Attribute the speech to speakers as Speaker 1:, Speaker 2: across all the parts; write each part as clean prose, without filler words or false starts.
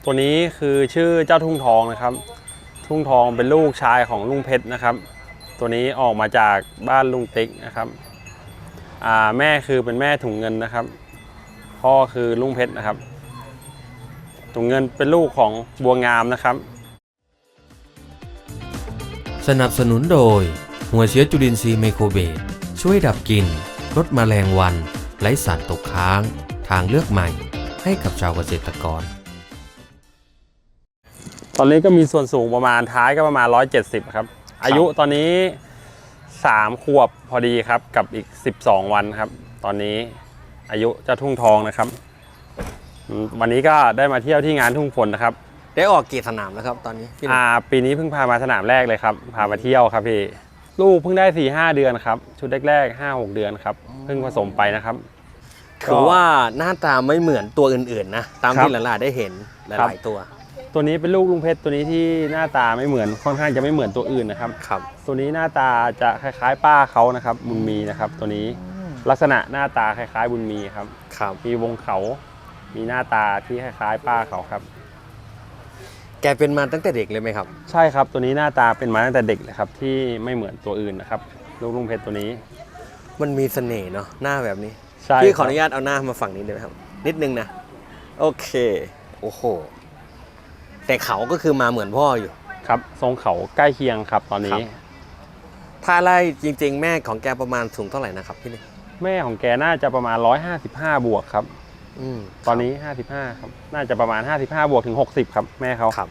Speaker 1: ตัวนี้คือชื่อเจ้าทุ่งทองนะครับทุ่งทองเป็นลูกชายของลุงเพชรนะครับตัวนี้ออกมาจากบ้านลุงติ๊กนะครับแม่คือเป็นแม่ถุงเงินนะครับพ่อคือลุงเพชรนะครับถุงเงินเป็นลูกของบัวงามนะครับ
Speaker 2: สนับสนุนโดยหัวเชื้อจุลินทรีย์ไมโครเบสช่วยดับกลิ่นลดแมลงวันไร้สารตกค้างทางเลือกใหม่ให้กับชาวเกษตรกร
Speaker 1: ตอนนี้ก็มีส่วนสูงประมาณท้ายก็ประมาณ170ครับอายุตอนนี้3 ขวบพอดีครับกับอีก12 วันครับตอนนี้อายุเจ้าทุ่งทองนะครับวันนี้ก็ได้มาเที่ยวที่งานทุ่งฝนนะครับ
Speaker 3: ได้ออกกี่สนามแล้วครับตอนนี้
Speaker 1: ปีนี้เพิ่งพามาสนามแรกเลยครับพามาเที่ยวครับพี่ลูกเพิ่งได้ 4-5 เดือนครับชุดแรกๆ 5-6 เดือนครับเพิ่งผสมไปนะครับ
Speaker 3: ถือว่าหน้าตาไม่เหมือนตัวอื่นๆนะตามที่หลานๆได้เห็นหลายๆตัว
Speaker 1: นี้เป็นลูกลุงเพชรตัวนี้ที่หน้าตาไม่เหมือนค่อนข้างจะไม่เหมือนตัวอื่นนะครับตัวนี้หน้าตาจะคล้ายๆป้าเขานะครับบุญมีนะครับตัวนี้ลักษณะหน้าตาคล้ายๆบุญมีครับมีวงเขามีหน้าตาที่คล้ายๆป้าเขาครับ
Speaker 3: แกเป็นมาตั้งแต่เด็กเลยไหมครับ
Speaker 1: ใช่ครับตัวนี้หน้าตาเป็นมาตั้งแต่เด็กเลยครับที่ไม่เหมือนตัวอื่นนะครับลูกลุงเพชรตัวนี้
Speaker 3: มันมีเสน่ห์เนาะหน้าแบบนี้
Speaker 1: ใช่
Speaker 3: พี่ขออนุญาตเอาหน้ามาฝั่งนี้ได้ไหมครับนิดนึงนะโอเคโอ้โหแต่เขาก็คือมาเหมือนพ่ออยู่
Speaker 1: ครับทรงเขาใกล้เคียงครับตอนนี้
Speaker 3: ถ้าไล่จริงๆแม่ของแกประมาณสูงเท่าไหร่นะครับพี่นี่
Speaker 1: แม่ของแกน่าจะประมาณ155 บวกครับตอนนี้55ครับน่าจะประมาณ55 บวกถึง60ครับแม่เขา
Speaker 3: ครับ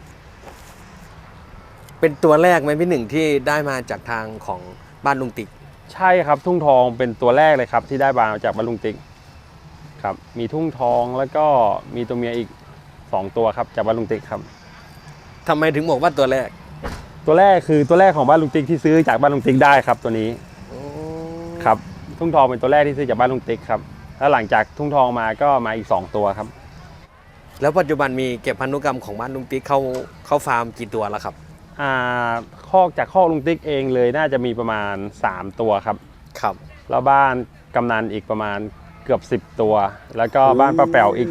Speaker 3: เป็นตัวแรกไหมพี่หนึ่งที่ได้มาจากทางของบ้านลุงติ๊ก
Speaker 1: ใช่ครับทุ่งทองเป็นตัวแรกเลยครับที่ได้มาจากบ้านลุงติ๊กครับมีทุ่งทองแล้วก็มีตัวเมียอีก2 ตัวครับจากบ้านลุงติ๊กครับ
Speaker 3: ทำไมถึงบอกว่าตัวแรก
Speaker 1: คือตัวแรกของบ้านลุงติ๊กที่ซื้อจากบ้านลุงติ๊กได้ครับตัวนี้ครับทุ่งทองเป็นตัวแรกที่ซื้อจากบ้านลุงติ๊กครับแล้วหลังจากทุ่งทองมาก็มาอีก2 ตัวครับ
Speaker 3: แล้วปัจจุบันมีเก็บพันธุกรรมของบ้านลุงติ๊กเข้าฟาร์มกี่ตัวแล้วครับ
Speaker 1: คอกลุงติ๊กเองเลยน่าจะมีประมาณ3 ตัวครับแล้วบ้านกำนันอีกประมาณเกือบ10 ตัวแล้วก็บ้านป้าแป๋วอีก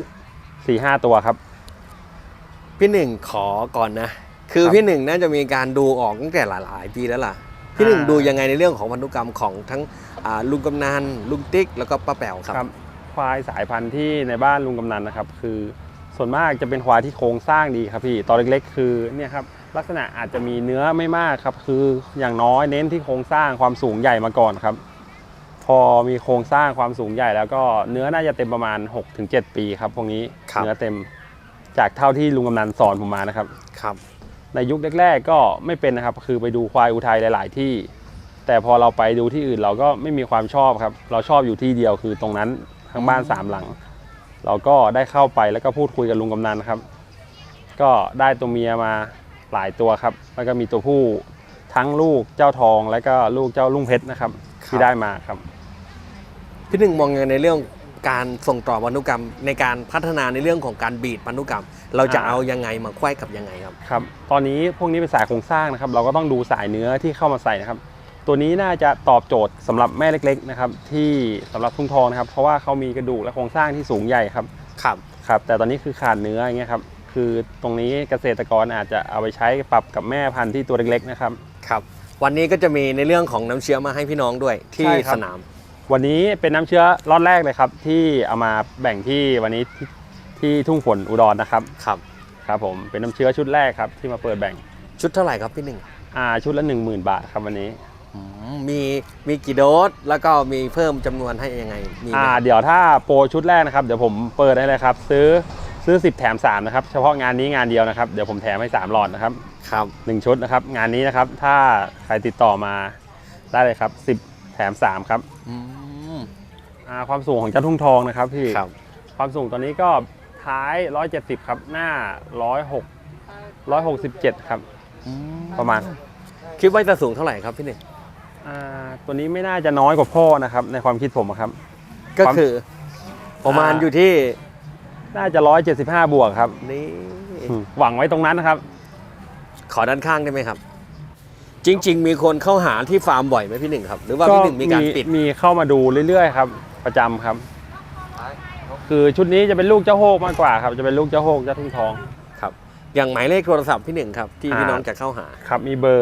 Speaker 1: 4-5 ตัวครับ
Speaker 3: พี่หนึ่งขอก่อนนะคือพี่หนึ่งน่าจะมีการดูออกตั้งแต่หลายปีแล้วล่ะพี่หนึ่งดูยังไงในเรื่องของพันธุกรรมของทั้งลุงกำนันลุงติ๊กแล้วก็ป้าแป๋วครับ
Speaker 1: ควายสายพันธุ์ที่ในบ้านลุงกำนันนะครับคือส่วนมากจะเป็นควายที่โครงสร้างดีครับพี่ตอนเล็กๆคือเนี่ยครับลักษณะอาจจะมีเนื้อไม่มากครับคืออย่างน้อยเน้นที่โครงสร้างความสูงใหญ่มาก่อนครับพอมีโครงสร้างความสูงใหญ่แล้วก็เนื้อน่าจะเต็มประมาณ 6-7 ปีครับพวกนี้เนื้อเต็มจากเท่าที่ลุงกำนันสอนผมมานะครับในยุคแรกๆก็ไม่เป็นนะครับคือไปดูควายอุทัยหลายๆที่แต่พอเราไปดูที่อื่นเราก็ไม่มีความชอบครับเราชอบอยู่ที่เดียวคือตรงนั้นทั้งบ้าน3 หลังเราก็ได้เข้าไปแล้วก็พูดคุยกับลุงกำนันครับก็ได้ตัวเมียมาหลายตัวครับแล้วก็มีตัวผู้ทั้งลูกเจ้าทองและก็ลูกเจ้าลุงเพชรนะครับที่ได้มาครับ
Speaker 3: พี่หนึ่งมองยังไงในเรื่องการส่งต่อพันธุกรรมในการพัฒนาในเรื่องของการบีดพันธุกรรมเราจะเอายังไงมาไขว้กับยังไง
Speaker 1: ครับตอนนี้พวกนี้เป็นสายโครงสร้างนะครับเราก็ต้องดูสายเนื้อที่เข้ามาใส่นะครับตัวนี้น่าจะตอบโจทย์สำหรับแม่เล็กๆนะครับที่สำหรับทุ่งทองนะครับเพราะว่าเขามีกระดูกและโครงสร้างที่สูงใหญ่ครับแต่ตอนนี้คือขาดเนื้ออย่างเงี้ยครับคือตรงนี้เกษตรกรอาจจะเอาไปใช้ปรับกับแม่พันธุ์ที่ตัวเล็กๆนะครับ
Speaker 3: วันนี้ก็จะมีในเรื่องของน้ำเชื้อมาให้พี่น้องด้วยที่สนาม
Speaker 1: วันนี้เป็นน้ำเชื้อล็อตแรกเลยครับที่เอามาแบ่งที่วันนี้ที่ทุ่งฝนอุดรนะครับครับผมเป็นน้ำเชื้อชุดแรกครับที่มาเปิดแบ่ง
Speaker 3: ชุดเท่าไหร่ครับพี่หนึ่ง
Speaker 1: ชุดละ 10,000 บาทครับวันนี้
Speaker 3: มีกี่โดสแล้วก็มีเพิ่มจำนวนให้ยังไง
Speaker 1: เดี๋ยวถ้าโปรชุดแรกนะครับเดี๋ยวผมเปิดให้เลยครับซื้อ10แถม3นะครับเฉพาะงานนี้งานเดียวนะครับเดี๋ยวผมแถมให้3 หลอดนะครับ1 ชุดนะครับงานนี้นะครับถ้าใครติดต่อมาได้เลยครับ10แถม3ครับความสูงของเจ้าทุ่งทองนะครับพี่ความสูงตอนนี้ก็ท้าย170ครับหน้า167ครับประมาณ
Speaker 3: คิดว่าจะสูงเท่าไหร่ครับพี่หนึ่ง
Speaker 1: ตัวนี้ไม่น่าจะน้อยกว่าพ่อนะครับในความคิดผมครับ
Speaker 3: ก็คือประมาณอยู่ที่
Speaker 1: น่าจะ175 บวกครับ
Speaker 3: นี่
Speaker 1: หวังไว้ตรงนั้นนะครับ
Speaker 3: ขอด้านข้างได้ไหมครับจริงๆมีคนเข้าหาที่ฟาร์มบ่อยไหมพี่หนึ่งครับหรือว่าพี่หนึ่งมีการปิด
Speaker 1: มีเข้ามาดูเรื่อยๆครับประจำครับคือชุดนี้จะเป็นลูกเจ้าโฮกมากกว่าครับจะเป็นลูกเจ้าโฮกเจ้าทุ่งทอง
Speaker 3: อย่างหมายเลขโทรศัพท์พี่หนึ่งครับที่พี่น้องจะเข้าหา
Speaker 1: ครับมีเบอร์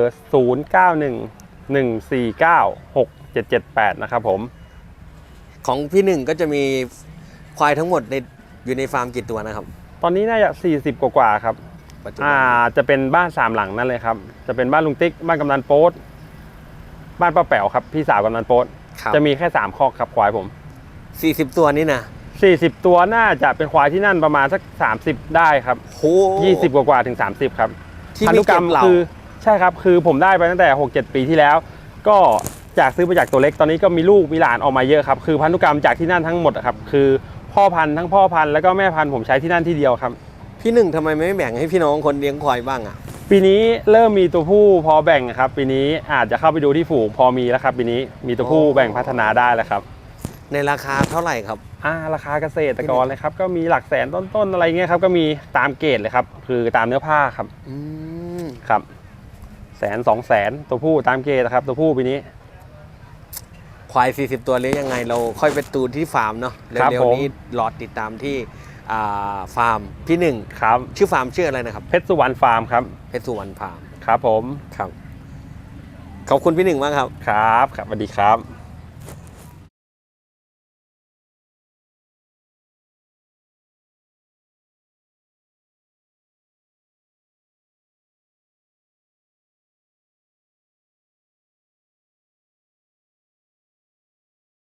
Speaker 1: 0911496778 นะครับผม
Speaker 3: ของพี่หนึ่งก็จะมีควายทั้งหมดอยู่ในฟาร์มกี่ตัวนะครับ
Speaker 1: ตอนนี้น่าจะ40 กว่าๆครับ
Speaker 3: ปัจจุบัน
Speaker 1: จะเป็นบ้าน3หลังนั่นเลยครับจะเป็นบ้านลุงติ๊กบ้านกำนันโป๊ดบ้านป้าแป๋วครับพี่สาวกำนันโป๊ด
Speaker 3: ครับ
Speaker 1: จะมีแค่3คอกครับควายผม
Speaker 3: 40 ตัวนี่นะ
Speaker 1: 40 ตัวน่าจะเป็นควายที่นั่นประมาณสัก30ได้ครับ
Speaker 3: โห
Speaker 1: 20 กว่าๆถึง30ครับ
Speaker 3: ที่
Speaker 1: พัน
Speaker 3: มี
Speaker 1: ธุกรรม
Speaker 3: เก็บเหล่า
Speaker 1: คือใช่ครับคือผมได้ไปตั้งแต่ 6-7 ปีที่แล้ว ก็จากซื้อมาจากตัวเล็กตอนนี้ก็มีลูกมีหลานออกมาเยอะครับคือพันธุกรรมจากที่นั่นทั้งหมดอะครับคือพ่อพันธุ์ทั้งพ่อพันธุ์แล้วก็แม่พันธุ์ผมใช้ที่นั่นที่เดียวครับ
Speaker 3: พี่หนึ่งทำไมไม่แบ่งให้พี่น้องคนเลี้ยงควายบ้างอ่ะ
Speaker 1: ปีนี้เริ่มมีตัวผู้พอแบ่งครับปีนี้อาจจะเข้าไปดูที่ฝูงพอมีแล้วครับปีนี้มีตัวผู้แบ่งพัฒนาได้แล้วครับ
Speaker 3: ในราคาเท่าไหร่ครับ
Speaker 1: ราคาเกษตรกรเลยครับก็มีหลักแสนต้นๆอะไรเงี้ยครับก็มีตามเกรดเลยครับคือตามเนื้อผ้าครับ
Speaker 3: อืม
Speaker 1: ครับ100,000-200,000ตัวผู้ตามเกรดนะครับตัวผู้ปีนี้
Speaker 3: ควาย 40 ตัวเลี้ยงยังไงเราค่อยไปตูนที่ฟาร์มเนาะ
Speaker 1: ครับ
Speaker 3: เร็ว
Speaker 1: ผม
Speaker 3: ๆนี้รอติดตามที่ฟาร์มพี่หนึ่ง
Speaker 1: ครับ
Speaker 3: ชื่อฟาร์มชื่ออะไรนะครับ
Speaker 1: เพชรสุวรรณฟาร์มครับ
Speaker 3: เพชรสุวรรณฟาร์ม
Speaker 1: ครับผม
Speaker 3: ครับขอบคุณพี่หนึ่งมากครับ
Speaker 1: ครับสวัสดีครับ